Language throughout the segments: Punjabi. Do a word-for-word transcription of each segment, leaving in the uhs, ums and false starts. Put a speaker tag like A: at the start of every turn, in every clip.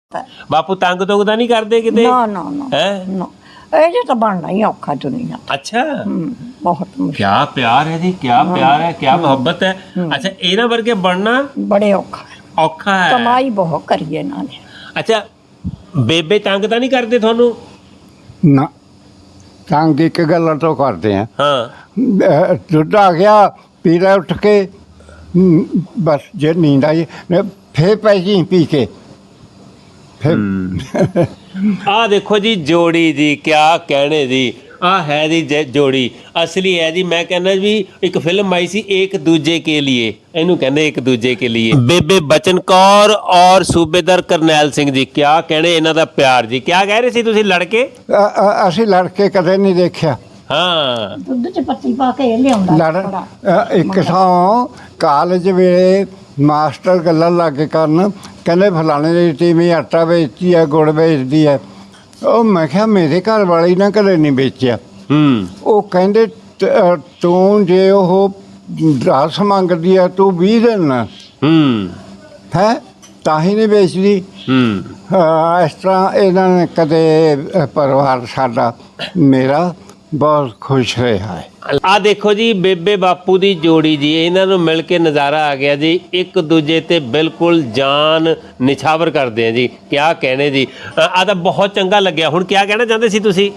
A: ਬਾਪੂ ਤੰਗ ਤੁੰਗ ਤਾਂ ਨਹੀਂ ਕਰਦੇ ਕਿਤੇ?
B: ਨਾ ਨਾ ਨਾ
A: ਹੈ
B: ਨਾ ਇਹ ਜੇ ਤਾਂ ਬਣਨਾ ਹੀ ਔਖਾ ਦੁਨੀਆ ਤੇ।
A: अच्छा
B: ਹਮ, ਬਹੁਤ ਮੁਸ਼ਕਿਲ
A: क्या प्यार है जी, क्या प्यार है, क्या मोहब्बत है। अच्छा ਇਹਨਾਂ ਵਰਗੇ ਬਣਨਾ
B: ਬੜੇ ਔਖਾ ਹੈ।
A: ਔਖਾ ਹੈ।
B: ਕਮਾਈ ਬਹੁਤ ਕਰੀ ਇਹਨਾਂ ਨੇ।
A: ਅੱਛਾ ਬੇਬੇ ਤੰਗ ਤਾਂ ਨਹੀਂ ਕਰਦੇ ਤੁਹਾਨੂੰ?
C: ਨਾ ਤੰਗ ਇੱਕ ਗੱਲ ਤੋਂ ਕਰਦੇ ਆ
A: ਹਾਂ
C: ਦੁੱਧ ਆ ਗਿਆ ਪੀ ਲੈ ਉੱਠ ਕੇ ਹਮ, ਬਸ ਜੇ ਨੀਂਦ ਆਈ ਫੇਰ ਪੈ ਜੀ ਪੀ ਕੇ ਫਿਰ
A: ਆ ਦੇਖੋ ਜੀ ਜੋੜੀ ਜੀ, ਕਿਆ ਕਹਿਣੇ ਜੀ। ਆ ਹੈ ਜੀ ਜ- ਜੋੜੀ ਅਸਲੀ ਹੈ ਜੀ। ਮੈਂ ਕਹਿੰਦਾ ਵੀ ਇੱਕ ਫਿਲਮ ਆਈ ਸੀ ਇੱਕ ਦੂਜੇ ਕੇ लिए, ਇਹਨੂੰ ਕਹਿੰਦੇ ਇੱਕ ਦੂਜੇ ਕੇ लिए। ਬੇਬੇ ਬਚਨ ਕੌਰ ਔਰ ਸੂਬੇਦਾਰ ਕਰਨੈਲ ਸਿੰਘ ਜੀ, ਕਿਆ ਕਹਿਣੇ ਇਹਨਾਂ ਦਾ ਪਿਆਰ ਜੀ। ਕਿਆ ਕਹਿ ਰਹੇ ਸੀ ਤੁਸੀਂ ਲੜਕੇ?
C: ਅ- ਅ- ਅਸੀਂ ਲੜ ਕੇ ਕਦੇ ਨਹੀਂ ਦੇਖਿਆ।
A: ਹਾਂ
B: ਦੁੱਧ ਚ ਪੱਤੀ ਪਾ ਕੇ ਲਿਆਉਂਦਾ
C: ਲੜ
B: ਬੜਾ।
C: ਅ, ਇੱਕ ਥਾਂ ਕਾਲਜ ਵੇਲੇ ਮਾਸਟਰ ਗੱਲਾਂ ਲੱਗ ਕੇ ਕਰਨ, ਕਹਿੰਦੇ ਫਲਾਣੇ ਦੀ ਟੀਮੀ ਆਟਾ ਵੇਚਦੀ ਹੈ, ਗੁੜ ਵੇਚਦੀ ਹੈ। ਉਹ ਮੈਂ ਕਿਹਾ ਮੇਰੇ ਘਰ ਵਾਲੀ ਨਾ ਕਦੇ ਨਹੀਂ ਵੇਚਿਆ।
A: ਹੂੰ
C: ਉਹ ਕਹਿੰਦੇ ਤ- ਅ, ਤੂੰ ਜੇ ਉਹ ਦਸ ਮੰਗਦੀ ਆ ਤੂੰ ਵੀਹ ਦੇਣਾ
A: ਹੂੰ
C: ਹੈ ਤਾਂ ਹੀ ਨਹੀਂ ਵੇਚਦੀ।
A: ਹੂੰ
C: ਹਾਂ, ਇਸ ਤਰ੍ਹਾਂ ਇਹਨਾਂ ਨੇ ਕਦੇ ਅ, ਪਰਿਵਾਰ ਸਾਡਾ ਮੇਰਾ ਬਹੁਤ ਖੁਸ਼ ਰਿਹਾ ਹੈ।
A: ਆ ਦੇਖੋ ਜੀ ਬੇਬੇ ਬਾਪੂ ਦੀ ਜੋੜੀ ਜੀ, ਇਹਨਾਂ ਨੂੰ ਮਿਲ ਕੇ ਨਜ਼ਾਰਾ ਆ ਗਿਆ ਜੀ। ਇੱਕ ਦੂਜੇ ਤੇ ਬਿਲਕੁਲ ਜਾਨ ਨਿਛਾਵਰ ਕਰਦੇ ਆ ਜੀ। ਕਿਆ ਕਹਿਣੇ ਜੀ। ਆ ਤਾਂ ਬਹੁਤ ਚੰਗਾ ਲੱਗਿਆ। ਹੁਣ ਕਿਆ ਕਹਿਣਾ ਚਾਹੁੰਦੇ ਸੀ ਤੁਸੀਂ?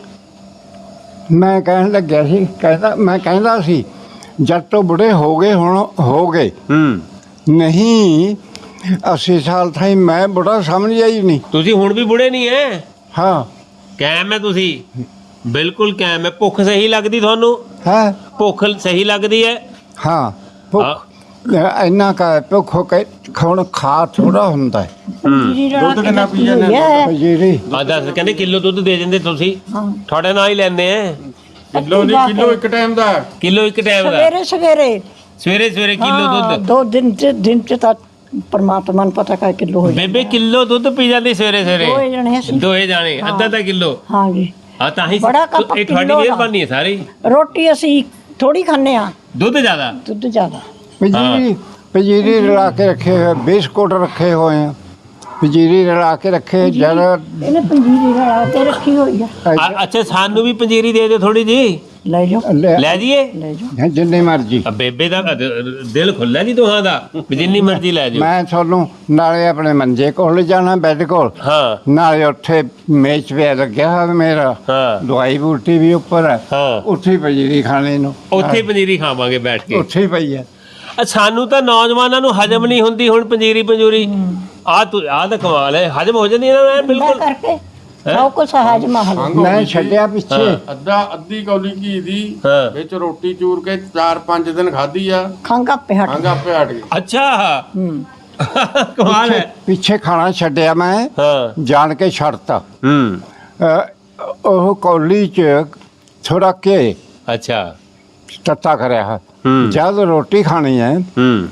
C: ਮੈਂ ਕਹਿਣ ਲੱਗਿਆ ਸੀ, ਕਹਿੰਦਾ ਮੈਂ ਕਹਿੰਦਾ ਸੀ ਜਦ ਤੋਂ ਬੁੜੇ ਹੋ ਗਏ ਹੁਣ ਹੋ ਗਏ
A: ਹੂੰ
C: ਨਹੀਂ ਅੱਸੀ ਸਾਲ ਥਾਈ ਮੈਂ ਬੁੜਾ ਸਮਝਿਆ ਹੀ ਨਹੀਂ।
A: ਤੁਸੀਂ ਹੁਣ ਵੀ ਬੁੜੇ ਨਹੀਂ ਐ,
C: ਹਾਂ
A: ਕਾਇਮ ਹੈ ਤੁਸੀਂ, ਬਿਲਕੁਲ ਕਾਇਮ ਹੈ। ਭੁੱਖ ਸਹੀ ਲੱਗਦੀ ਤੁਹਾਨੂੰ?
C: ਹੈ
A: ਭੁੱਖ ਸਹੀ ਲੱਗਦੀ ਹੈ?
C: ਹਾਂ ਭੁੱਖ ਇੰਨਾ ਕਾ ਭੁੱਖ ਹੋ ਕੇ ਖਾਣ ਖਾ ਥੋੜਾ ਹੁੰਦਾ ਹੈ।
B: ਪੰਜੀਰੀ ਰਲਾ ਕੇ ਦਿੱਤੀ ਹੋਈ ਹੈ।
C: ਜਿਹੜੀ
A: ਆ ਦੱਸ ਕਹਿੰਦੇ ਕਿਲੋ ਦੁੱਧ ਦੇ ਦਿੰਦੇ ਤੁਸੀਂ,
B: ਹਾਂ
A: ਤੁਹਾਡੇ ਨਾਲ ਹੀ ਲੈਂਦੇ ਆ।
D: ਕਿਲੋ ਨਹੀਂ, ਕਿਲੋ ਇੱਕ ਟਾਈਮ ਦਾ।
A: ਕਿਲੋ ਇੱਕ ਟਾਈਮ ਦਾ?
B: ਸਵੇਰੇ ਸਵੇਰੇ
A: ਸਵੇਰੇ ਸਵੇਰੇ ਕਿਲੋ
B: ਹਾਂ,
A: ਦੁੱਧ?
B: ਦੋ ਦਿਨ ਚ ਦਿਨ ਚ ਤਾਂ ਪਰਮਾਤਮਾ ਨੂੰ ਪਤਾ ਕਾ ਕਿਲੋ ਹੋ ਜਾਂਦਾ।
A: ਬੇਬੇ ਕਿਲੋ ਦੁੱਧ ਪੀ ਜਾਂਦੀ ਸਵੇਰੇ
B: ਦੋਏ
A: ਸਵੇਰੇ?
B: ਜਣੇ ਅਸੀਂ।
A: ਦੋਏ ਜਾਣੇ ਅੱਧਾ ਅੱਧਾ ਕਿਲੋ?
B: ਹਾਂ ਜੀ।
A: ਹਾਂ ਤਾਂ ਹੀ
B: ਬੜਾ ਕੱਪ
A: ਇਹ ਤੁਹਾਡੀ
B: ਕਿੱਲੋ ਦਾ।
A: ਮਿਹਰਬਾਨੀ ਹੈ ਸਾਰੀ।
B: ਰੋਟੀ ਅਸੀਂ ਥੋੜੀ ਖਾਂਦੇ ਆ,
A: ਦੁੱਧ ਜ਼ਿਆਦਾ?
B: ਦੁੱਧ ਜ਼ਿਆਦਾ।
C: ਪੰਜੀਰੀ ਪੰਜੀਰੀ ਰਲਾ ਕੇ ਰੱਖੇ ਹੋਏ ਬਿਸਕੁਟ ਰੱਖੇ ਹੋਏ ਆ, ਪੰਜੀਰੀ ਰਲਾ ਕੇ ਰੱਖੇ ਜਦ
B: ਇਹਨੇ ਪੰਜੀਰੀ ਰਲਾ ਕੇ ਰੱਖੀ ਹੋਈ ਆ।
A: ਅ- ਅੱਛਾ ਸਾਨੂੰ ਵੀ ਪੰਜੀਰੀ ਦੇ ਦਿਓ ਥੋੜੀ ਜੀ,
B: ਲੈ ਜਾਓ
C: ਲੈ
A: ਲੈ ਜੀਏ।
B: ਲੈ ਜਾਓ।
C: ਜਿੰਨੇ ਮਰਜੀ
A: ਆ ਬੇਬੇ ਦਾ ਅ, ਦਿਲ ਖੁੱਲਾ ਜੀ ਦੋਹਾਂ ਦਾ, ਵੀ ਜਿੰਨੀ ਮਰਜ਼ੀ ਲੈ ਜਾਓ।
C: ਮੈਂ ਤੁਹਾਨੂੰ ਨਾਲੇ ਆਪਣੇ ਮੰਜੇ ਕੋਲ ਜਾਣਾ ਬੈੱਡ ਕੋਲ,
A: ਹਾਂ
C: ਨਾਲੇ ਉੱਥੇ ਮੇਜ਼ ਪਿਆ ਲੱਗਿਆ ਹੋਇਆ ਮੇਰਾ,
A: ਹਾਂ
C: ਦਵਾਈ ਬੂਟੀ ਵੀ ਉੱਪਰ ਹੈ,
A: ਹਾਂ
C: ਉੱਥੇ ਹੀ ਪੰਜੀਰੀ ਖਾਣੇ ਨੂੰ
A: ਉੱਥੇ ਹੀ ਪੰਜੀਰੀ ਖਾਵਾਂਗੇ ਬੈਠ ਕੇ।
C: ਉੱਥੇ ਹੀ ਪਈ ਹੈ।
A: ਆ ਸਾਨੂੰ ਤਾਂ ਨੌਜਵਾਨਾਂ ਨੂੰ ਹਜਮ ਨਹੀਂ ਹੁੰਦੀ ਹੁਣ ਪੰਜੀਰੀ ਪੰਜੂਰੀ। ਆ ਤੂੰ ਆ ਤਾਂ ਕਮਾਲ ਹੈ, ਹਜਮ ਹੋ ਜਾਂਦੀ ਇਹਨਾਂ ਨੂੰ ਐਨ
B: ਬਿਲਕੁਲ
A: ਬਿਲਕੁਲ।
B: ਕਰਕੇ ਸਭ ਕੁਛ ਹਜ ਮਹਲ।
C: ਮੈਂ ਛੱਡਿਆ ਪਿੱਛੇ
D: ਅੱਧਾ ਅੱਧੀ ਕੌਲੀ ਘੀ ਦੀ
A: ਹਾਂ।
D: ਵਿੱਚ ਰੋਟੀ ਚੂਰ ਕੇ ਚਾਰ ਪੰਜ ਦਿਨ ਖਾਧੀ ਆ,
B: ਖੰਗਾ ਪਿਹਟ।
D: ਖੰਗ ਆਪੇ ਹਟ ਗਈ।
A: ਅੱਛਾ
B: ਹੂੰ
A: ਕਮਾਲ
C: ਪਿੱਛੇ
A: ਹੈ।
C: ਪਿੱਛੇ ਖਾਣਾ ਛੱਡਿਆ ਮੈਂ,
A: ਹਾਂ
C: ਜਾਣ ਕੇ ਛੱਡਤਾ।
A: ਹੂੰ
C: ਅ, ਉਹ ਕੌਲੀ ਚ ਥੋੜਾ ਕੇ
A: ਅੱਛਾ
C: ਤੱਤਾ ਕਰਿਆ ਹੈ।
A: ਹੂੰ
C: ਜਦ ਰੋਟੀ ਖਾਣੀ ਹੈ
A: ਹੂੰ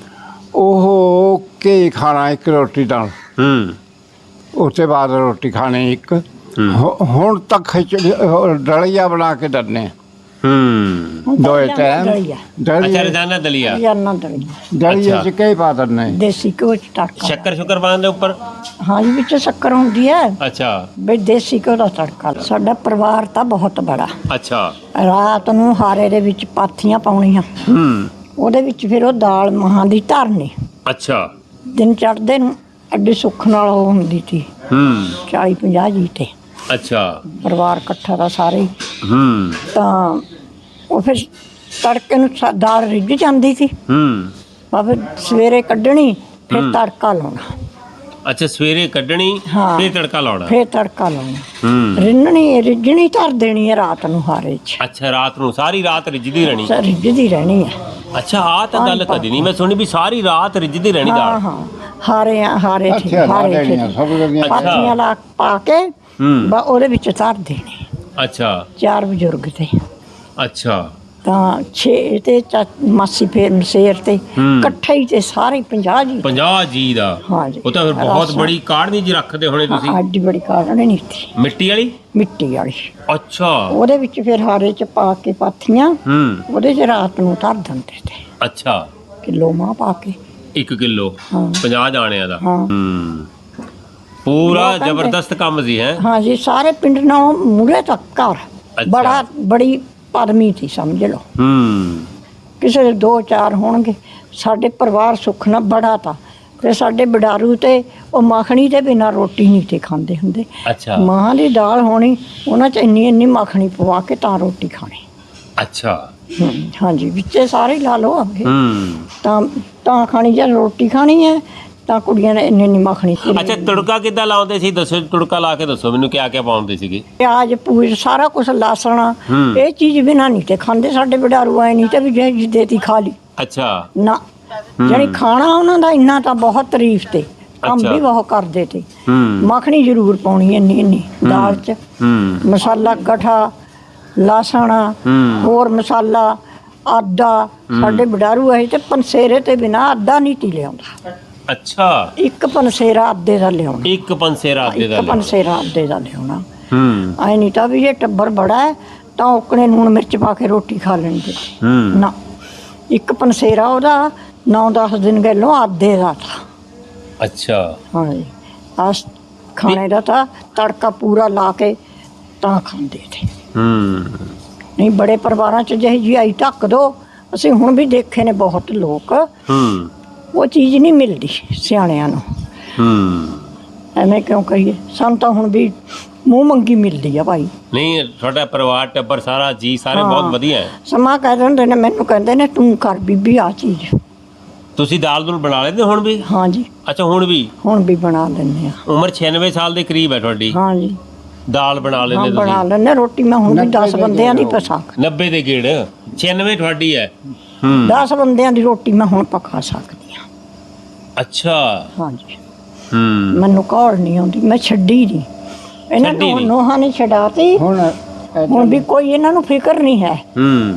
C: ਉਹ ਕੇ ਖਾਣਾ ਇੱਕ ਰੋਟੀ ਨਾਲ,
A: ਹੂੰ
C: ਉਸ ਤੋਂ ਬਾਅਦ ਰੋਟੀ ਖਾਣੀ ਇੱਕ। ਹੁ- ਹੁਣ ਤੱਕ ਖਿਚੜੀ ਉਹ ਡਲੀਆ ਬਣਾ ਕੇ ਦੰਨੇ
A: ਹੂੰ
C: ਦੋਏ ਟਾਈਮ
B: ਦਲੀਆ।
A: ਅੱਛਾ
C: ਦਲੀਆ
A: ਰੋਜ਼ਾਨਾ ਦਲੀਆ?
B: ਜਾਨਾ ਦਲੀਆ।
C: ਦਲੀਆ ਚ
A: ਅੱਛਾ।
C: ਕਈ ਪਾ ਦੰਨੇ।
B: ਦੇਸੀ ਘਿਓ ਚ ਤੜਕਾ।
A: ਸ਼ੱਕਰ ਸ਼ੁਕਰ ਪਾਉਂਦੇ ਉੱਪਰ?
B: ਹਾਂ ਜੀ, ਵਿੱਚ ਸ਼ੱਕਰ ਹੁੰਦੀ ਹੈ
A: ਅੱਛਾ
B: ਵੀ ਦੇਸੀ ਘਿਓ ਦਾ ਤੜਕਾ। ਸਾਡਾ ਪਰਿਵਾਰ ਤਾਂ ਬਹੁਤ ਬੜਾ।
A: ਅੱਛਾ
B: ਰਾਤ ਨੂੰ ਹਾਰੇ ਦੇ ਵਿੱਚ ਪਾਥੀਆਂ ਪਾਉਣੀਆਂ,
A: ਹੂੰ
B: ਉਹਦੇ ਵਿੱਚ ਫਿਰ ਉਹ ਦਾਲ ਮਹਾਂ ਦੀ ਧਰਨੀ।
A: ਅੱਛਾ
B: ਦਿਨ ਚੜ੍ਹਦੇ ਨੂੰ ਅੱਡੀ ਸੁੱਖ ਨਾਲ ਉਹ ਹੁੰਦੀ ਸੀ
A: ਹੂੰ
B: ਚਾਲੀ ਪੰਜਾਹ ਜੀ ਤੇ
A: ਅੱਛਾ
B: ਪਰਿਵਾਰ ਇਕੱਠਾ ਦਾ ਸਾਰੇ ਹੀ।
A: ਹੂੰ
B: ਤਾਂ ਉਹ ਫਿਰ ਤੜਕੇ ਨੂੰ ਸਾ- ਦਾਲ ਰਿੱਝ ਜਾਂਦੀ ਸੀ,
A: ਹੂੰ
B: ਆ ਫਿਰ ਸਵੇਰੇ ਕੱਢਣੀ, ਫਿਰ ਤੜਕਾ ਲਾਉਣਾ।
A: ਅੱਛਾ ਸਵੇਰੇ ਕੱਢਣੀ
B: ਹਾਂ।
A: ਫਿਰ ਤੜਕਾ ਲਾਉਣਾ?
B: ਫਿਰ ਤੜਕਾ ਲਾਉਣਾ।
A: ਹੂੰ
B: ਰਿੰਨਣੀ ਰਿੱਝਣੀ ਧਰ ਦੇਣੀ ਹੈ ਰਾਤ ਨੂੰ ਹਾਰੇ 'ਚ,
A: ਅੱਛਾ ਰਾਤ ਨੂੰ ਸਾਰੀ ਰਾਤ ਰਿੱਝਦੀ ਰਹਿਣੀ?
B: ਸ- ਰਿੱਝਦੀ ਰਹਿਣੀ ਹੈ।
A: ਅੱਛਾ ਆ ਤਾਂ ਗੱਲ ਕਦੀ ਨਹੀਂ ਮੈਂ ਸੁਣੀ ਵੀ ਸਾਰੀ ਰਾਤ ਰਿੱਝਦੀ ਰਹਿਣੀ
B: ਹਾਂ
A: ਦਾਲ।
B: ਹਾਂ ਹਾਰੇ ਹਾਰੇ 'ਚ
C: ਅੱਛਾ ਲਾ
B: ਹਾਰੇ 'ਚ
C: ਦੇਣੀਆਂ ਸਭ ਦੀਆਂ।
B: ਪਾਥੀਆਂ ਲਾ ਪਾ ਕੇ
A: ਹੂੰ
B: ਬਾ ਉਹਦੇ ਵਿੱਚ ਧਰ ਦੇਣੀ।
A: ਅੱਛਾ
B: ਚਾਰ ਬਜ਼ੁਰਗ ਤੇ
A: ਅੱਛਾ
B: ਤਾਂ ਛੇ ਤੇ ਚਾ- ਮਾਸੀ ਫੇਰ ਸ਼ੇਰ ਤੇ
A: ਹੂੰ।
B: ਇਕੱਠੇ ਹੀ ਤੇ ਸਾਰੇ ਪੰਜਾਹ ਜੀ।
A: ਪੰਜਾਹ ਜੀ ਦਾ?
B: ਹਾਂ ਜੀ।
A: ਉਹ ਤਾਂ ਫਿਰ ਬਹੁਤ
B: ਰਸ-
A: ਬੜੀ ਕਾੜਨੀ ਜੀ ਰੱਖਦੇ ਹੋਣੇ ਤੁਸੀਂ?
B: ਹਾਂ, ਅੱਡੀ ਬੜੀ ਕਾੜਨੀ ਨਹੀਂ ਸੀ,
A: ਮਿੱਟੀ ਵਾਲੀ?
B: ਮਿੱਟੀ ਵਾਲੀ।
A: ਅੱਛਾ
B: ਉਹਦੇ ਵਿੱਚ ਫਿਰ ਹਾਰੇ 'ਚ ਪਾ ਕੇ ਪਾਥੀਆਂ,
A: ਹੂੰ
B: ਉਹਦੇ 'ਚ ਰਾਤ ਨੂੰ ਧਰ ਦਿੰਦੇ ਤੇ
A: ਅੱਛਾ
B: ਕਿਲੋ ਮਾਂ ਪਾ ਕੇ।
A: ਇੱਕ ਕਿਲੋ
B: ਹਾਂ।
A: ਪੰਜਾਹ ਜਾਣਿਆਂ ਦਾ?
B: ਹਾਂ।
A: ਹੂੰ ਪੂਰਾ
B: ਉਹ ਕਹਿੰਦੇ-
A: ਜ਼ਬਰਦਸਤ ਕੰਮ ਸੀ ਹੈ।
B: ਹਾਂ ਜੀ, ਸਾਰੇ ਪਿੰਡ ਨਾਲੋਂ ਮੂਹਰੇ ਤੱਕ ਘਰ,
A: ਅੱਛਾ।
B: ਬੜਾ ਬੜੀ ਪਦਮੀ ਸੀ ਸਮਝ ਲਓ।
A: ਹੂੰ
B: ਕਿਸੇ ਦੇ ਦੋ ਚਾਰ ਹੋਣਗੇ, ਸਾਡੇ ਪਰਿਵਾਰ ਸੁੱਖ ਨਾਲ ਬੜਾ ਤਾ। ਤੇ ਸਾਡੇ ਬਡਾਰੂ ਤੇ ਉਹ ਮੱਖਣੀ ਦੇ ਬਿਨਾਂ ਰੋਟੀ ਨਹੀਂ ਤੇ ਖਾਂਦੇ ਹੁੰਦੇ।
A: ਅੱਛਾ
B: ਮਾਂ ਦੀ ਦਾਲ ਹੋਣੀ, ਉਹਨਾਂ 'ਚ ਇੰਨੀ ਇੰਨੀ ਮੱਖਣੀ ਪਵਾ ਕੇ ਤਾਂ ਰੋਟੀ ਖਾਣੀ।
A: ਅੱਛਾ
B: ਹਮ, ਹਾਂਜੀ, ਵਿੱਚੇ ਸਾਰੇ ਹੀ ਲਾ ਲਓ ਅੱਗੇ
A: ਹੂੰ
B: ਤਾਂ ਤਾਂ ਖਾਣੀ, ਜੇ ਰੋਟੀ ਖਾਣੀ ਹੈ ਤਾਂ ਕੁੜੀਆਂ ਨੇ ਇੰਨੀ ਇੰਨੀ ਮੱਖਣੀ।
A: ਅੱਛਾ ਤੜਕਾ ਕਿੱਦਾਂ ਲਾਉਂਦੇ ਸੀ ਦੱਸੋ, ਤੜਕਾ ਲਾ ਕੇ ਦੱਸੋ ਮੈਨੂੰ, ਕਿਆ ਕਿਆ ਪਾਉਂਦੇ ਸੀਗੇ?
B: ਪਿਆਜ਼ ਪੂਜ ਸਾਰਾ ਕੁਝ, ਲਸਣ,
A: ਹੂੰ।
B: ਇਹ ਚੀਜ਼ ਬਿਨਾਂ ਨਹੀਂ ਤੇ ਖਾਂਦੇ ਸਾਡੇ ਬਡਾਰੂ ਆਏ ਨਹੀਂ ਤੇ ਵੀ ਜੇ ਜਿੱਦੇ ਖਾ ਲਈ
A: ਅੱਛਾ
B: ਨਾ। ਜਾਣੀ ਖਾਣਾ ਉਹਨਾਂ ਦਾ ਇੰਨਾ ਤਾਂ ਬਹੁਤ ਤਾਰੀਫ ਤੇ ਕੰਮ
A: ਅੱਛਾ।
B: ਵੀ ਬਹੁਤ ਕਰਦੇ ਤੇ।
A: ਹੂੰ
B: ਮੱਖਣੀ ਜ਼ਰੂਰ ਪਾਉਣੀ ਇੰਨੀ ਇੰਨੀ ਦਾਲ 'ਚ,
A: ਹੂੰ
B: ਮਸਾਲਾ ਕਠਾ, ਲਸਣ,
A: ਹੂੰ।
B: ਹੋਰ ਮਸਾਲਾ, ਆਦਾ। ਸਾਡੇ ਬਡਾਰੂ ਆਏ ਤੇ ਪੰਸੇਰੇ ਤੇ ਬਿਨਾਂ ਆਦਾ ਨਹੀਂ ਤੀ ਲਿਆਉਂਦਾ।
A: ਅੱਛਾ
B: ਇੱਕ ਪੰਸੇਰਾ ਅੱਧੇ ਦਾ ਲਿਆਉਣਾ,
A: ਇੱਕ ਪੰਸੇਰਾ ਦੇ ਦਾ
B: ਇੱਕ ਪੰਸੇਰਾ ਅੱਧੇ ਦਾ ਲਿਆਉਣਾ।
A: ਹੂੰ
B: ਐ ਨਹੀਂ ਤਾਂ ਵੀ ਇਹ ਟੱਬਰ ਬੜਾ ਹੈ ਤਾਂ ਉਕਣੇ ਲੂਣ ਮਿਰਚ ਪਾ ਕੇ ਰੋਟੀ ਖਾ ਲੈਂਦੇ।
A: ਹੂੰ
B: ਨਾ, ਇੱਕ ਪੰਸੇਰਾ ਉਹਦਾ ਨੌ ਦਸ ਦਿਨ ਗੱਲੋਂ ਆਧੇ ਦਾ ਥਾ।
A: ਅੱਛਾ
B: ਹਾਂਜੀ, ਆਸ ਖਾਣੇ ਦਾ ਤਾਂ ਤੜਕਾ ਪੂਰਾ ਲਾ ਕੇ ਤਾਂ ਖਾਂਦੇ ਥੇ।
A: ਹੂੰ
B: ਨਹੀਂ, ਬੜੇ ਪਰਿਵਾਰਾਂ 'ਚ ਜਿਹੀ ਜੀ ਆਈ ਢੱਕ ਦੋ, ਅਸੀਂ ਹੁਣ ਵੀ ਦੇਖੇ ਨੇ ਬਹੁਤ ਲੋਕ,
A: ਹੂੰ
B: ਉਹ ਚੀਜ਼ ਨਹੀਂ ਮਿਲਦੀ ਸਿਆਣਿਆਂ ਨੂੰ।
A: ਹੂੰ
B: ਐਵੇਂ ਕਿਉਂ ਕਹੀਏ, ਸਾਨੂੰ ਤਾਂ ਹੁਣ ਵੀ ਮੂੰਹ ਮੰਗੀ ਮਿਲਦੀ ਆ ਭਾਈ।
A: ਨਹੀਂ ਤੁਹਾਡਾ ਪਰਿਵਾਰ ਟੱਬਰ ਸਾਰਾ ਜੀ ਸਾਰੇ
B: ਹਾਂ।
A: ਬਹੁਤ ਵਧੀਆ ਹੈ।
B: ਸਮਾਂ ਕਹਿ ਦਿੰਦੇ ਨੇ, ਮੈਨੂੰ ਕਹਿੰਦੇ ਨੇ ਤੂੰ ਕਰ ਬੀਬੀ ਆ ਚੀਜ਼।
A: ਤੁਸੀਂ ਦਾਲ ਦੂਲ ਬਣਾ ਲੈਂਦੇ ਹੁਣ ਵੀ?
B: ਹਾਂਜੀ,
A: ਅੱਛਾ ਹੁਣ ਵੀ?
B: ਹੁਣ ਵੀ ਬਣਾ ਲੈਂਦੇ ਆ।
A: ਉਮਰ ਛਿਆਨਵੇਂ ਸਾਲ ਦੇ ਕਰੀਬ ਹੈ ਤੁਹਾਡੀ,
B: ਹਾਂਜੀ,
A: ਦਾਲ ਬਣਾ
B: ਹਾਂ
A: ਲੈਂਦੇ
B: ਬਣਾ
A: ਤੁਸੀਂ?
B: ਲੈਂਦੇ। ਰੋਟੀ ਮੈਂ ਹੁਣ ਵੀ
C: ਨੱਬੇ
B: ਦਸ
C: ਦੇ
B: ਬੰਦਿਆਂ ਦੀ
C: ਗੇੜ
B: ਪਸਾ,
A: ਨੱਬੇ ਦੇ ਗੇੜ, ਛਿਆਨਵੇਂ ਤੁਹਾਡੀ ਹੈ। ਹੂੰ
B: ਦਸ ਬੰਦਿਆਂ ਦੀ ਰੋਟੀ ਮੈਂ ਹੁਣ ਪਕਾ ਸਕਦੀ ਹਾਂ।
A: ਅੱਛਾ
B: ਹਾਂਜੀ,
A: ਹੂੰ
B: ਮੈਨੂੰ ਘਰ ਨਹੀਂ ਆਉਂਦੀ, ਮੈਂ ਛੱਡੀ ਨਹੀਂ। ਇਹਨਾਂ
A: ਛੱਡੀ
B: ਨੂੰ
A: ਨਹੀਂ।
B: ਨੋਹਾਂ ਨੇ ਛਡਾਤੀ,
C: ਹੁਣ
B: ਹੁਣ ਵੀ ਕੋਈ ਇਹਨਾਂ ਨੂੰ ਫਿਕਰ ਨਹੀਂ ਹੈ।
A: ਹੂੰ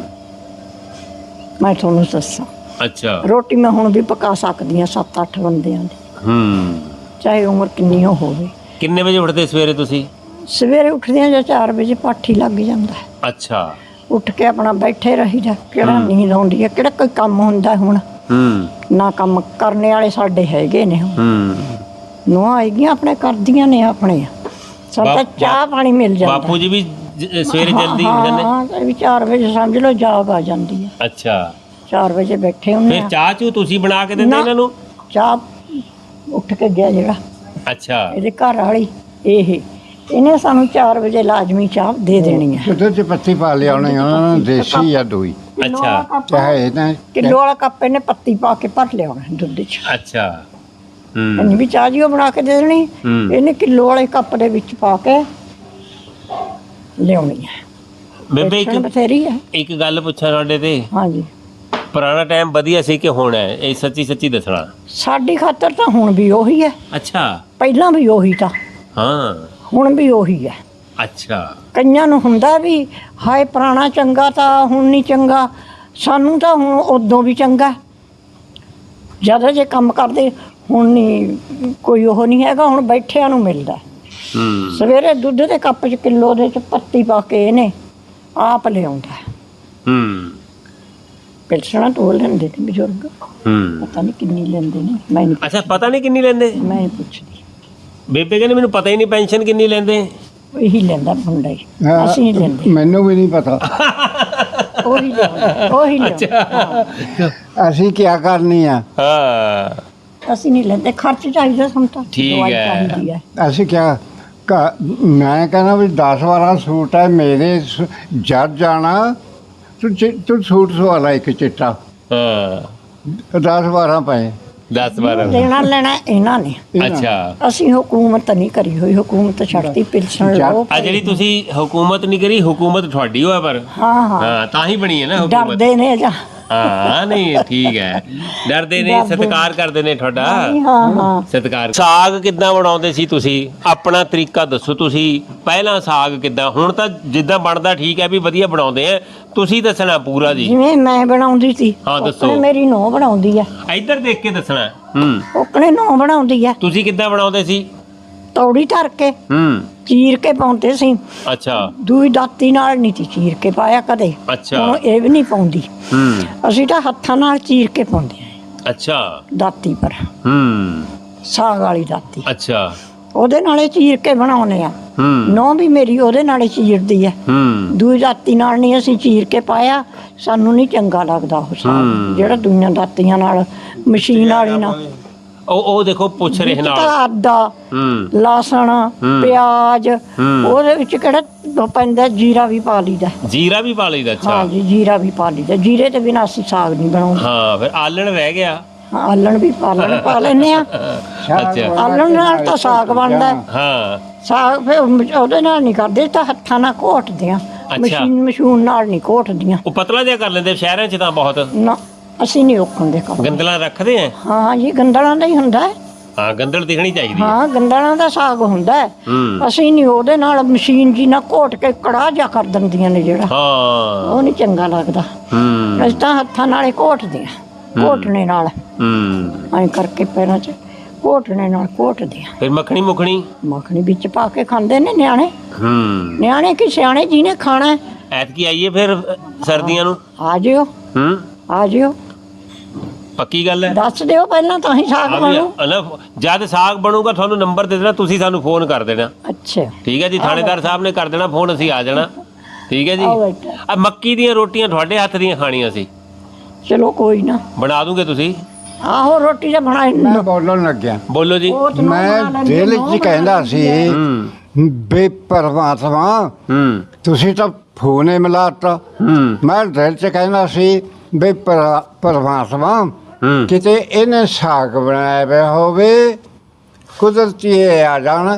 B: ਮੈਂ ਤੁਹਾਨੂੰ ਦੱਸਾਂ,
A: ਅੱਛਾ
B: ਰੋਟੀ ਮੈਂ ਹੁਣ ਵੀ ਪਕਾ ਸਕਦੀ ਹਾਂ ਸੱਤ ਅੱਠ ਬੰਦਿਆਂ ਦੀ,
A: ਹੂੰ
B: ਚਾਹੇ ਉਮਰ ਕਿੰਨੀ ਹੋ ਹੋਵੇ।
A: ਕਿੰਨੇ ਵਜੇ ਉੱਠਦੇ ਸਵੇਰੇ ਤੁਸੀਂ?
B: ਸਵੇਰੇ ਉੱਠਦਿਆਂ ਜਾਂ ਚਾਰ ਵਜੇ ਪਾਠੀ ਲੱਗ ਜਾਂਦਾ ਹੈ।
A: ਅੱਛਾ
B: ਉੱਠ ਕੇ ਆਪਣਾ ਬੈਠੇ ਰਹੀਦਾ। ਕਿਹੜਾ ਨੀਂਦ ਆਉਂਦੀ ਹੈ, ਕਿਹੜਾ ਕੋਈ ਕੰਮ ਹੁੰਦਾ ਹੁਣ?
A: ਹੂੰ
B: ਨਾ ਕੰਮ ਕਰਨੇ ਵਾਲੇ ਸਾਡੇ ਹੈਗੇ ਨੇ।
A: ਹੂੰ
B: ਨੂੰਹਾਂ ਆਈਆਂ ਆਪਣੇ ਕਰਦੀਆਂ ਨੇ ਆਪਣੇ, ਸਾਨੂੰ ਤਾਂ
A: ਬਾਪ-
B: ਚਾਹ ਪਾਣੀ ਮਿਲ ਜਾਂਦਾ।
A: ਬਾਪੂ ਜੀ ਵੀ ਜ- ਸਵੇਰੇ
B: ਹਾਂ,
A: ਜਲਦੀ ਉੱਠਦੇ ਨੇ?
B: ਹਾਂ, ਇਹ ਵੀ ਚਾਰ ਵਜੇ ਸਮਝ ਲਓ ਜਾਗ ਆ ਜਾਂਦੀ ਹੈ।
A: ਅੱਛਾ
B: ਚਾਰ ਵਜੇ ਬੈਠੇ ਹੁੰਦੇ
A: ਫਿਰ
B: ਆ।
A: ਚਾਹ ਚੂ ਤੁਸੀਂ ਬਣਾ ਕੇ ਦਿੰਦੇ
B: ਨਾ।
A: ਇਹਨਾਂ ਨੂੰ?
B: ਚਾਹ ਉੱਠ ਕੇ ਗਿਆ ਜਿਹੜਾ
A: ਅੱਛਾ
B: ਇਹਦੇ ਘਰ ਵਾਲੀ, ਇਹ ਇਹਨੇ ਸਾਨੂੰ ਚਾਰ ਵਜੇ ਲਾਜ਼ਮੀ ਚਾਹ ਦੇ ਦੇਣੀ ਹੈ।
C: ਉਹਦੇ 'ਚ ਪੱਤੀ ਪਾ ਲਿਆਉਣੀ ਉਹਨਾਂ ਨੂੰ, ਦੇਸੀ ਜਾਂ ਦੋਈ
A: ਅੱਛਾ
C: ਚਾਹੇ ਨਾ
B: ਕਿਲੋ ਵਾਲਾ ਕੱਪ ਇਹਨੇ ਪੱਤੀ ਪਾ ਕੇ ਭਰ ਲਿਆਉਣਾ ਦੁੱਧ 'ਚ।
A: ਅੱਛਾ ਹੂੰ
B: ਇਹਨੇ ਵੀ ਚਾਹ ਜੀ ਉਹ ਬਣਾ ਕੇ ਦੇ ਦੇਣੀ।
A: ਹੂੰ।
B: ਇਹਨੇ ਕਿਲੋ ਵਾਲੇ ਕੱਪ ਦੇ ਵਿੱਚ ਪਾ ਕੇ ਲਿਆਉਣੀ ਹੈ।
A: ਬੇਬੇ
B: ਵੇਚਣ
A: ਇੱਕ
B: ਬਥੇਰੀ ਹੈ।
A: ਇੱਕ ਗੱਲ ਪੁੱਛਾਂ ਤੁਹਾਡੇ ਤੇ,
B: ਹਾਂਜੀ,
A: ਪੁਰਾਣਾ ਟਾਈਮ ਵਧੀਆ ਸੀ ਕਿ ਹੁਣ ਹੈ? ਇਹ ਸੱਚੀ ਸੱਚੀ ਦੱਸਣਾ।
B: ਸਾਡੀ ਖਾਤਰ ਤਾਂ ਹੁਣ ਵੀ ਉਹੀ ਹੈ,
A: ਅੱਛਾ
B: ਪਹਿਲਾਂ ਵੀ ਉਹੀ ਤਾਂ,
A: ਹਾਂ
B: ਹੁਣ ਵੀ ਉਹੀ ਹੈ।
A: ਅੱਛਾ
B: ਕਈਆਂ ਨੂੰ ਹੁੰਦਾ ਵੀ ਹਾਏ ਪੁਰਾਣਾ ਚੰਗਾ ਤਾਂ ਹੁਣ ਨਹੀਂ ਚੰਗਾ, ਸਾਨੂੰ ਤਾਂ ਹੁਣ ਉਦੋਂ ਵੀ ਚੰਗਾ। ਜ਼ਿਆਦਾ ਜੇ ਕੰਮ ਕਰਦੇ ਹੁਣ ਨਹੀਂ ਕੋਈ ਉਹ ਨਹੀਂ ਹੈਗਾ, ਹੁਣ ਬੈਠਿਆਂ ਨੂੰ ਮਿਲਦਾ।
A: ਹੂੰ
B: ਸਵੇਰੇ ਦੁੱਧ ਦੇ ਕੱਪ 'ਚ ਕਿਲੋ ਦੇ 'ਚ ਪੱਤੀ ਪਾ ਕੇ ਇਹਨੇ ਆਪ ਲਿਆਉਂਦਾ।
A: ਹੂੰ
B: ਪਿਲਸਣਾ ਤੋਲ ਲੈਂਦੇ ਨੇ ਬਜ਼ੁਰਗ,
A: ਹੂੰ
B: ਪਤਾ ਨਹੀਂ ਕਿੰਨੀ ਲੈਂਦੇ ਨੇ, ਮੈਂ ਨਹੀਂ
A: ਅੱਛਾ ਪਤਾ ਨਹੀਂ ਕਿੰਨੀ ਲੈਂਦੇ?
B: ਮੈਂ ਨਹੀਂ ਪੁੱਛਦੀ।
A: ਬੇਬੇ ਕਹਿੰਦੇ ਮੈਨੂੰ ਪਤਾ ਹੀ ਨਹੀਂ ਪੈਨਸ਼ਨ ਕਿੰਨੀ ਲੈਂਦੇ।
B: ਇਹੀ ਲੈਂਦਾ ਮੁੰਡਾ ਹੀ,
C: ਹਾਂ,
B: ਅਸੀਂ ਨਹੀਂ ਲੈਂਦੇ।
C: ਮੈਨੂੰ ਵੀ ਨਹੀਂ ਪਤਾ।
B: ਉਹੀ ਲਿਆਉਂਦਾ, ਉਹੀ ਲਿਆਉਂਦਾ।
C: ਅਸੀਂ ਕੀ ਕਰਨੀ ਆ?
A: ਹਾਂ
B: ਅਸੀਂ ਨਹੀਂ ਲੈਂਦੇ, ਖਰਚ ਚਾਹੀਦਾ ਸਾਨੂੰ ਤਾਂ,
A: ਠੀਕ
B: ਦਵਾਈ
A: ਹੈ।
B: ਚਾਹੀਦੀ ਹੈ।
C: ਅਸੀਂ ਕਿਆ ਕ- ਮੈਂ ਕਹਿੰਦਾ ਵੀ ਦਸ ਬਾਰਾਂ ਸੂਟ ਹੈ ਮੇਰੇ, ਸ- ਜਦ ਜਾਣਾ ਤੂੰ ਚਿ- ਤੂੰ ਸੂਟ ਸਵਾਲਾ ਇੱਕ ਚਿੱਟਾ,
A: ਹਾਂ
C: ਦਸ ਬਾਰਾਂ ਪਏ।
A: ਦਸ ਬਾਰਾਂ
B: ਲੈਣਾ ਲੈਣਾ ਇਹਨਾਂ ਨੇ,
A: ਅੱਛਾ
B: ਅਸੀਂ ਹਕੂਮਤ ਨਹੀਂ ਕਰੀ ਹੋਈ, ਹਕੂਮਤ ਛੱਡਤੀ ਪਿਲਸਣ ਲਓ।
A: ਆ ਜਿਹੜੀ ਤੁਸੀਂ ਹਕੂਮਤ ਨਹੀਂ ਕਰੀ, ਹਕੂਮਤ ਤੁਹਾਡੀ ਹੋਇਆ ਪਰ
B: ਹਾਂ ਹਾਂ,
A: ਹਾਂ ਤਾਂ ਹੀ ਬਣੀ ਹੈ ਨਾ ਹਕੂਮਤ।
B: ਡਰਦੇ ਨੇ ਜਾਂ
A: ਹਾਂ ਨਹੀਂ ਠੀਕ ਹੈ, ਡਰਦੇ ਨੇ,
B: ਡਰਦੇ।
A: ਸਤਿਕਾਰ ਕਰਦੇ ਨੇ ਤੁਹਾਡਾ,
B: ਹਾਂ ਹਾਂ।
A: ਸਤਿਕਾਰ। ਸਾਗ ਕਿੱਦਾਂ ਬਣਾਉਂਦੇ ਸੀ ਤੁਸੀਂ? ਆਪਣਾ ਤਰੀਕਾ ਦੱਸੋ ਤੁਸੀਂ, ਪਹਿਲਾਂ ਸਾਗ ਕਿੱਦਾਂ, ਹੁਣ ਤਾਂ ਜਿੱਦਾਂ ਬਣਦਾ ਠੀਕ ਹੈ ਵੀ ਵਧੀਆ ਬਣਾਉਂਦੇ ਆ, ਤੁਸੀਂ ਦੱਸਣਾ ਪੂਰਾ ਜੀ।
B: ਜਿਵੇਂ ਮੈਂ ਬਣਾਉਂਦੀ ਸੀ,
A: ਹਾਂ, ਦੱਸੋ।
B: ਉਕਣੇ ਮੇਰੀ ਨੂੰਹ ਬਣਾਉਂਦੀ ਆ,
A: ਇੱਧਰ ਦੇਖ ਕੇ ਦੱਸਣਾ। ਹੂੰ
B: ਉਕਣੇ ਨੂੰਹ ਬਣਾਉਂਦੀ ਆ।
A: ਤੁਸੀਂ ਕਿੱਦਾਂ ਬਣਾਉਂਦੇ ਸੀ?
B: ਤੌੜੀ ਧਰ ਕੇ
A: ਹੂੰ
B: ਚੀਰ ਕੇ ਪਾਉਂਦੇ ਸੀ,
A: ਅੱਛਾ
B: ਦੂਈ ਦਾਤੀ ਨਾਲ ਨਹੀਂ ਸੀ ਚੀਰ ਕੇ ਪਾਇਆ ਕਦੇ।
A: ਅੱਛਾ
B: ਹੁਣ ਇਹ ਵੀ ਨਹੀਂ ਪਾਉਂਦੀ,
A: ਹੂੰ
B: ਅਸੀਂ ਤਾਂ ਹੱਥਾਂ ਨਾਲ ਚੀਰ ਕੇ ਪਾਉਂਦੇ ਆ
A: ਅੱਛਾ
B: ਦਾਤੀ ਪਰ,
A: ਹੂੰ
B: ਸਾਗ ਵਾਲੀ ਦਾਤੀ।
A: ਅੱਛਾ
B: ਉਹਦੇ ਨਾਲੇ ਚੀਰ ਕੇ ਬਣਾਉਨੇ ਆ।
A: ਹੂੰ
B: ਨੌ ਵੀ ਮੇਰੀ ਉਹਦੇ ਨਾਲੇ ਚੀਰਦੀ ਹੈ।
A: ਹੂੰ
B: ਦੂਈ ਦਾਤੀ ਨਾਲ ਨਹੀਂ ਅਸੀਂ ਚੀਰ ਕੇ ਪਾਇਆ, ਸਾਨੂੰ ਨਹੀਂ ਚੰਗਾ ਲੱਗਦਾ ਉਹ ਸਾਗ ਜਿਹੜਾ ਦੂਈਆਂ ਦਾਤੀਆਂ ਨਾਲ ਮਸ਼ੀਨ ਵਾਲੀ ਨਾਲ।
A: ਉਹ ਉਹ ਦੇਖੋ ਪੁੱਛ ਰਹੇ ਨਾਲ
B: ਤਾਂ ਆਦਾ
A: ਹੂੰ
B: ਲਸਣ ਪਿਆਜ਼ ਉਹਦੇ ਵਿੱਚ ਕਿਹੜਾ ਉਹ ਪੈਂਦਾ, ਜੀਰਾ ਵੀ ਪਾ ਲਈਦਾ।
A: ਜੀਰਾ ਵੀ ਪਾ ਲਈਦਾ? ਅੱਛਾ
B: ਹਾਂ ਜੀ, ਜੀਰਾ ਵੀ ਪਾ ਲਈਦਾ। ਜੀਰੇ ਤੇ ਬਿਨਾਂ ਅਸੀਂ ਸਾਗ ਨਹੀਂ ਬਣਾਉਂਦੇ।
A: ਹਾਂ ਫਿਰ ਆਲਣ ਰਹਿ ਗਿਆ।
B: ਹਾਂ, ਆਲਣ ਵੀ ਪਾਲਣ ਪਾ ਲੈਂਦੇ ਆ।
A: ਅੱਛਾ
B: ਆਲਣ ਨਾਲ ਤਾਂ ਸਾਗ ਬਣਦਾ।
A: ਹਾਂ
B: ਸਾਗ ਫਿਰ ਉਹਦੇ ਨਾਲ ਨਹੀਂ ਕਰਦੇ, ਤਾਂ ਹੱਥਾਂ ਨਾਲ ਘੋਟਦੇ ਆ। ਮਸ਼ੀਨ ਮਸ਼ੂਨ ਨਾਲ ਨਹੀਂ ਘੋਟਦੀਆਂ।
A: ਉਹ ਪਤਲਾ ਜਿਹਾ ਕਰ ਲੈਂਦੇ ਸ਼ਹਿਰਾਂ 'ਚ ਤਾਂ ਬਹੁਤ।
B: ਨਾ ਅਸੀਂ ਨਹੀਂ ਔਖਾਂਦੇ ਕੰਮ।
A: ਗੰਦਲਾਂ ਰੱਖਦੇ ਆ?
B: ਹਾਂ ਜੀ, ਗੰਦਲਾਂ ਦਾ ਹੀ ਹੁੰਦਾ ਹੈ।
A: ਹਾਂ ਗੰਦਲ ਦਿਖਣੀ ਚਾਹੀਦੀ ਹੈ।
B: ਹਾਂ, ਗੰਦਲਾਂ ਦਾ ਸਾਗ ਹੁੰਦਾ ਹੈ।
A: ਹੂੰ
B: ਅਸੀਂ ਨਹੀਂ ਉਹਦੇ ਨਾਲ ਮਸ਼ੀਨ ਜੀ ਨਾਲ ਘੋਟ ਕੇ ਕੜਾਹ ਜਾ ਕਰ ਦਿੰਦੀਆਂ ਨੇ ਜਿਹੜਾ,
A: ਹਾਂ
B: ਉਹ ਨਹੀਂ ਚੰਗਾ ਲੱਗਦਾ।
A: ਹੂੰ
B: ਅਸੀਂ ਤਾਂ ਹੱਥਾਂ ਨਾਲੇ ਘੋਟਦੇ ਆ, ਘੋਟਣੇ ਨਾਲ
A: ਹੂੰ
B: ਐਂ ਕਰਕੇ ਪੈਰਾਂ 'ਚ ਘੋਟਣੇ ਨਾਲ ਘੋਟਦੇ ਆ।
A: ਫਿਰ ਮੱਖਣੀ ਮੁਖਣੀ
B: ਮੱਖਣੀ ਵਿੱਚ ਪਾ ਕੇ ਖਾਂਦੇ ਨੇ ਨਿਆਣੇ।
A: ਹੂੰ
B: ਨਿਆਣੇ ਕੀ ਸਿਆਣੇ ਜਿਹਨੇ ਖਾਣਾ ਹੈ।
A: ਐਤਕੀ ਆਈਏ ਫਿਰ ਸਰਦੀਆਂ ਨੂੰ।
B: ਆ ਜਿਓ,
A: ਹੂੰ
B: ਆ ਜਿਓ,
A: ਪੱਕੀ ਗੱਲ ਹੈ।
B: ਦੱਸ ਦਿਓ ਪਹਿਲਾਂ ਤਾਂ ਹੀ ਸਾਗ
A: ਆ ਵੀ
B: ਬਣੂ।
A: ਅਨਾ ਜਦ ਸਾਗ ਬਣੂਗਾ ਤੁਹਾਨੂੰ ਨੰਬਰ ਦੇ ਦੇਣਾ, ਤੁਸੀਂ ਸਾਨੂੰ ਫੋਨ ਕਰ ਦੇਣਾ।
B: ਅੱਛਾ,
A: ਠੀਕ ਹੈ ਜੀ, ਥਾਣੇਦਾਰ ਸਾਹਿਬ ਨੇ ਕਰ ਦੇਣਾ ਫੋਨ, ਅਸੀਂ ਆ ਜਾਣਾ। ਠੀਕ ਹੈ ਜੀ।
B: ਆਓ ਬੇਟਾ।
A: ਆ ਮੱਕੀ ਦੀਆਂ ਰੋਟੀਆਂ ਤੁਹਾਡੇ ਹੱਥ ਦੀਆਂ ਖਾਣੀਆਂ ਸੀ,
B: ਚਲੋ ਕੋਈ ਨਾ,
A: ਬਣਾ ਦੂਗੇ ਤੁਸੀਂ?
B: ਆਹੋ ਰੋਟੀ ਤਾਂ ਬਣਾ
C: ਮੈਂ ਬੋਲਣ ਲੱਗਿਆ।
A: ਬੋਲੋ ਜੀ।
C: ਮੈਂ ਦਿਲ 'ਚ ਕਹਿੰਦਾ ਸੀ
A: ਹੂੰ
C: ਬੇ ਪਰਮਾਤਮਾ
A: ਹੂੰ
C: ਤੁਸੀਂ ਤਾਂ ਫੋਨੇ ਮਿਲਾਤਾ।
A: ਹੂੰ
C: ਮੈਂ ਦਿਲ 'ਚ ਕਹਿੰਦਾ ਸੀ ਬੇ ਪਰਮਾਤਮਾ
A: ਹੂੰ
C: ਕਿਤੇ ਇਹਨੇ ਸਾਗ ਬਣਾਇਆ ਪਿਆ ਹੋਵੇ, ਕੁਦਰਤੀ ਇਹ ਆ ਜਾਣ,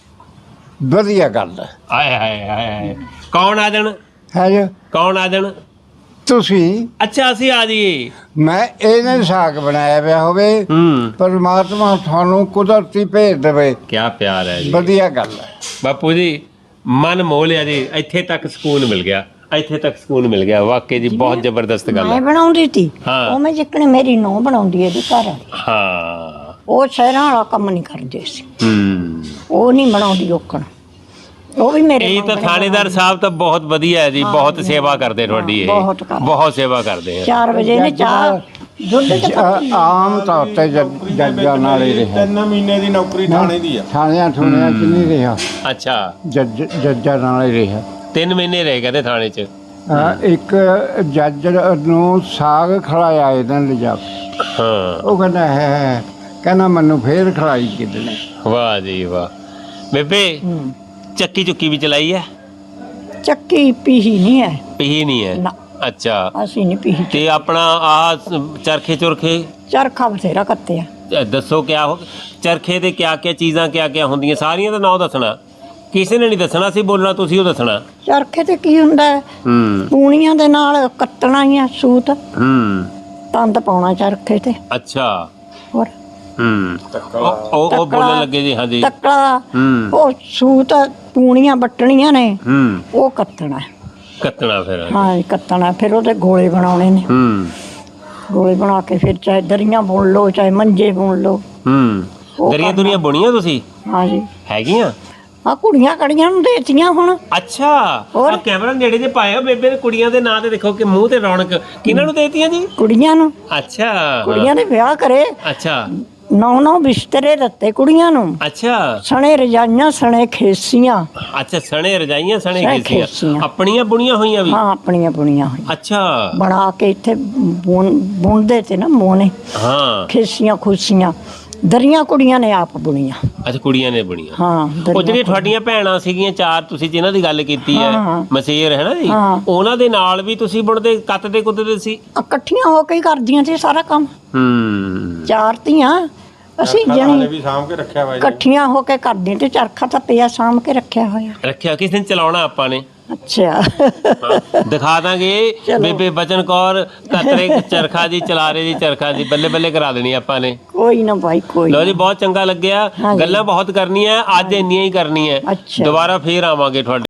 C: ਵਧੀਆ ਗੱਲ ਹੈ।
A: ਆਏ ਹਾਏ ਹਾਏ ਹਾਏ, ਕੌਣ ਆ ਜਾਣ?
C: ਹੈ ਜੀ
A: ਕੌਣ ਆ ਜਾਣ?
C: ਤੁਸੀਂ।
A: ਅੱਛਾ ਅਸੀਂ ਆ ਜਾਈਏ।
C: ਮੈਂ ਇਹਨੇ ਸਾਗ ਬਣਾਇਆ ਪਿਆ ਹੋਵੇ,
A: ਹੂੰ
C: ਪਰਮਾਤਮਾ ਤੁਹਾਨੂੰ ਕੁਦਰਤੀ ਭੇਜ ਦੇਵੇ,
A: ਕੀ ਪਿਆਰ ਹੈ ਜੀ।
C: ਵਧੀਆ ਗੱਲ ਹੈ।
A: ਬਾਪੂ ਜੀ ਮਨ ਮੋਹ ਲਿਆ ਜੀ, ਇੱਥੇ ਤੱਕ ਸਕੂਨ ਮਿਲ ਗਿਆ, ਇੱਥੇ ਤੱਕ ਸਕੂਨ ਮਿਲ ਗਿਆ। ਵਾਕਈ ਜੀ ਬਹੁਤ ਜ਼ਬਰਦਸਤ ਗੱਲ
B: ਮੈਂ
A: ਹੈ।
B: ਬਣਾਉਂਦੀ ਤੀ,
A: ਹਾਂ।
B: ਉਹ ਮੈਂ ਜਿੱਕਣ ਮੇਰੀ ਨੂੰਹ ਬਣਾਉਂਦੀ ਇਹਦੇ ਘਰ ਵਾਲੀ।
A: ਹਾਂ
B: ਉਹ ਸ਼ਹਿਰਾਂ ਵਾਲਾ ਕੰਮ ਨਹੀਂ ਕਰਦੇ ਸੀ,
A: ਹੂੰ
B: ਉਹ ਨਹੀਂ ਬਣਾਉਂਦੀ ਔਕਣ, ਉਹ ਵੀ ਮੇਰੇ
A: ਇਹ ਤਾਂ
B: ਵਾਂਗਣੇ
A: ਥਾਣੇਦਾਰ ਸਾਹਿਬ ਤਾਂ ਬਹੁਤ ਵਧੀਆ ਹੈ ਜੀ, ਬਹੁਤ ਸੇਵਾ ਕਰਦੇ ਤੁਹਾਡੀ ਇਹ,
B: ਬਹੁਤ ਕਰਦੇ।
A: ਬਹੁਤ ਸੇਵਾ ਕਰਦੇ ਆ।
B: ਚਾਰ ਵਜੇ ਨੇ ਚਾਹ ਦੁੱਧ ਚ
C: ਜ- ਆਮ ਤੌਰ ਤੇ ਜੱਜ- ਜੱਜਾਂ ਨਾਲ ਹੀ ਰਿਹਾ,
D: ਤਿੰਨ ਮਹੀਨੇ ਦੀ ਨੌਕਰੀ ਥਾਣੇ ਦੀ ਆ।
C: ਥਾਣਿਆਂ ਥੁਣਿਆਂ 'ਚ ਨਹੀਂ ਰਿਹਾ,
A: ਅੱਛਾ
C: ਜੱਜ ਜੱਜਾਂ ਨਾਲ ਹੀ ਰਿਹਾ।
A: ਤਿੰਨ ਮਹੀਨੇ ਰਹੇ ਕਹਿੰਦੇ ਥਾਣੇ 'ਚ।
C: ਅਹ ਇੱਕ ਜੱਜ ਨੂੰ ਸਾਗ ਖਿਲਾਇਆ ਇਹਨਾਂ ਲਿਜਾ ਕੇ।
A: ਹਾਂ
C: ਉਹ ਕਹਿੰਦਾ ਹੈ ਹੈ, ਕਹਿੰਦਾ ਮੈਨੂੰ ਫੇਰ ਖਿਲਾਈ ਕਿਦਨੇ।
A: ਵਾਹ ਜੀ ਵਾਹ। ਬੇਬੇ
B: ਹੂੰ।
A: ਚੱਕੀ ਚੁੱਕੀ ਵੀ ਚਲਾਈ ਹੈ?
B: ਚੱਕੀ ਪੀਹੀ ਨਹੀਂ ਹੈ,
A: ਪੀਹੀ ਨਹੀਂ ਹੈ?
B: ਨਾ
A: ਅੱਛਾ
B: ਅਸੀਂ ਨਹੀਂ ਪੀਹੀ।
A: ਤੇ ਆਪਣਾ ਆਹ ਚਰਖੇ ਚੁਰਖੇ
B: ਚਰਖਾ ਬਥੇਰਾ ਕੱਤਿਆ।
A: ਅ, ਦੱਸੋ ਕਿਆ ਹੋ ਚਰਖੇ ਦੇ ਕਿਆ ਕਿਆ ਚੀਜ਼ਾਂ ਕਿਆ ਕਿਆ ਹੁੰਦੀਆਂ, ਸਾਰੀਆਂ ਦਾ ਨਾਂ ਦੱਸਣਾ, ਕਿਸੇ ਨੇ ਨਹੀਂ ਦੱਸਣਾ ਸੀ ਬੋਲਣਾ, ਤੁਸੀਂ ਉਹ ਦੱਸਣਾ।
B: ਚਰਖੇ ਤੇ ਕੀ ਹੁੰਦਾ ਹੈ,
A: ਹੂੰ
B: ਪੂਣੀਆਂ ਦੇ ਨਾਲ ਕੱਟਣਾ ਹੀ ਆ ਸੂਤ,
A: ਹੂੰ
B: ਤੰਦ ਪਾਉਣਾ ਚਰਖੇ ਤੇ।
A: ਅੱਛਾ
B: ਹੋਰ
A: ਹੂੰ ਉਹ ਉਹ- ਉਹ ਬੋਲਣ ਲੱਗੇ ਜੀ। ਹਾਂਜੀ
B: ਤੱਕੜਾ,
A: ਹੂੰ
B: ਉਹ ਸੂਤ ਪੂਣੀਆਂ ਵੱਟਣੀਆਂ ਨੇ,
A: ਹੂੰ
B: ਉਹ ਕੱਤਣਾ ਹੈ।
A: ਕੱਤਣਾ ਫਿਰ।
B: ਹਾਂ ਕੱਤਣਾ, ਫਿਰ ਉਹਦੇ ਗੋਲੇ ਬਣਾਉਣੇ ਨੇ।
A: ਹੂੰ
B: ਗੋਲੇ ਬਣਾ ਕੇ ਫਿਰ ਚਾਹੇ ਦਰੀਆਂ ਬੁਣ ਲਓ, ਚਾਹੇ ਮੰਜੇ ਬੁਣ ਲਓ।
A: ਹੂੰ
B: ਉਹ
A: ਦਰੀਆਂ
B: ਕਰਨਾ।
A: ਦੁਰੀਆਂ ਬੁਣੀਆਂ ਤੁਸੀਂ?
B: ਹਾਂ ਜੀ,
A: ਹੈਗੀਆਂ?
B: ਆ ਕੁੜੀਆਂ ਕੜੀਆਂ ਨੂੰ ਦੇਤੀਆਂ ਹੁਣ।
A: ਅੱਛਾ
B: ਹੋਰ?
A: ਆ ਕੈਮਰਾ ਨੇੜੇ ਜੇ ਪਾਇਆ ਬੇਬੇ ਨੇ, ਕੁੜੀਆਂ ਦੇ ਨਾਂ ਤੇ ਦੇਖੋ ਕਿ ਮੂੰਹ ਤੇ ਰੌਣਕ, ਕਿਹਨਾਂ ਨੂੰ ਦੇਤੀਆਂ ਜੀ?
B: ਕੁੜੀਆਂ ਨੂੰ,
A: ਅੱਛਾ
B: ਕੁੜੀਆਂ ਦੇ ਵਿਆਹ ਕਰੇ,
A: ਅੱਛਾ
B: ਨੌ ਨੌ ਬਿਸਤਰੇ ਦਿੱਤੇ ਕੁੜੀਆਂ ਨੂੰ,
A: ਅੱਛਾ
B: ਸਣੇ ਰਜਾਈਆਂ, ਸਣੇ ਖੇਸੀਆਂ।
A: ਅੱਛਾ ਸਣੇ ਰਜਾਈਆਂ ਸਣੇ
B: ਸਣੇ
A: ਖੇਸੀਆਂ,
B: ਖੇਸੀਆਂ।
A: ਆਪਣੀਆਂ ਬੁਣੀਆਂ ਹੋਈਆਂ ਵੀ?
B: ਹਾਂ ਆਪਣੀਆਂ ਬੁਣੀਆਂ ਹੋਈਆਂ,
A: ਅੱਛਾ
B: ਬਣਾ ਕੇ ਇੱਥੇ ਬੁਣ ਬੁਣਦੇ ਤੇ ਨਾ ਮੋਨੇ,
A: ਹਾਂ
B: ਖੇਸੀਆਂ ਖੁਸੀਆਂ। ਦਰੀਆਂ ਕੁੜੀਆਂ ਨੇ ਆਪ ਬੁਣੀਆਂ।
A: ਅੱਛਾ ਕੁੜੀਆਂ ਨੇ ਬੁਣੀਆਂ।
B: ਹਾਂ
A: ਉਹ
B: ਦਰੀਆਂ
A: ਜਿਹੜੀਆਂ ਤੁਹਾਡੀਆਂ ਭੈਣਾਂ ਸੀਗੀਆਂ ਚਾਰ, ਤੁਸੀਂ ਜਿਨ੍ਹਾਂ ਦੀ ਗੱਲ ਕੀਤੀ ਹੈ,
B: ਹਾਂ, ਹਾਂ।
A: ਮਸੇਰ ਹੈ ਨਾ ਜੀ,
B: ਹਾਂ।
A: ਉਹਨਾਂ ਦੇ ਨਾਲ ਵੀ ਤੁਸੀਂ ਬੁਣਦੇ ਕੱਤਦੇ ਕੁੱਤਦੇ ਸੀ?
B: ਇਕੱਠੀਆਂ ਹੋ ਕੇ ਹੀ ਕਰਦੀਆਂ ਸੀ ਸਾਰਾ ਕੰਮ।
A: ਹੂੰ
B: ਚਾਰ ਧੀਆਂ ਅਸੀਂ
D: ਹਾਲੇ
B: ਜਣੀ
D: ਵੀ ਸਾਂਭ ਕੇ ਰੱਖਿਆ ਵਾ ਜੀ।
B: ਇਕੱਠੀਆਂ ਹੋ ਕੇ ਕਰਦੀਆਂ ਤੇ ਚਰਖਾ ਤਾਂ ਪਿਆ ਸਾਂਭ ਕੇ ਰੱਖਿਆ ਹੋਇਆ।
A: ਰੱਖਿਆ, ਕਿਸ ਦਿਨ ਚਲਾਉਣਾ ਆਪਾਂ ਨੇ?
B: ਅੱਛਾ
A: ਹਾਂ, ਦਿਖਾ ਦਾਂਗੇ।
B: ਚਲੋ।
A: ਬੇਬੇ ਬਚਨ ਕੌਰ ਕਤਰੇ ਚਰਖਾ ਜੀ ਚਲਾ ਰਹੇ ਜੀ, ਚਰਖਾ ਜੀ ਬੱਲੇ ਬੱਲੇ ਕਰਾ ਦੇਣੀ ਆਪਾਂ ਨੇ।
B: ਕੋਈ ਨਾ ਭਾਈ ਕੋਈ
A: ਲੋ
B: ਨਾ।
A: ਜੀ ਬਹੁਤ ਚੰਗਾ ਲੱਗਿਆ,
B: ਹਾਂਜੀ।
A: ਗੱਲਾਂ ਬਹੁਤ ਕਰਨੀਆਂ, ਅੱਜ ਇੰਨੀਆਂ ਹੀ ਕਰਨੀਆਂ।
B: ਅੱਛਾ।
A: ਦੁਬਾਰਾ ਫੇਰ ਆਵਾਂਗੇ ਤੁਹਾਡੇ।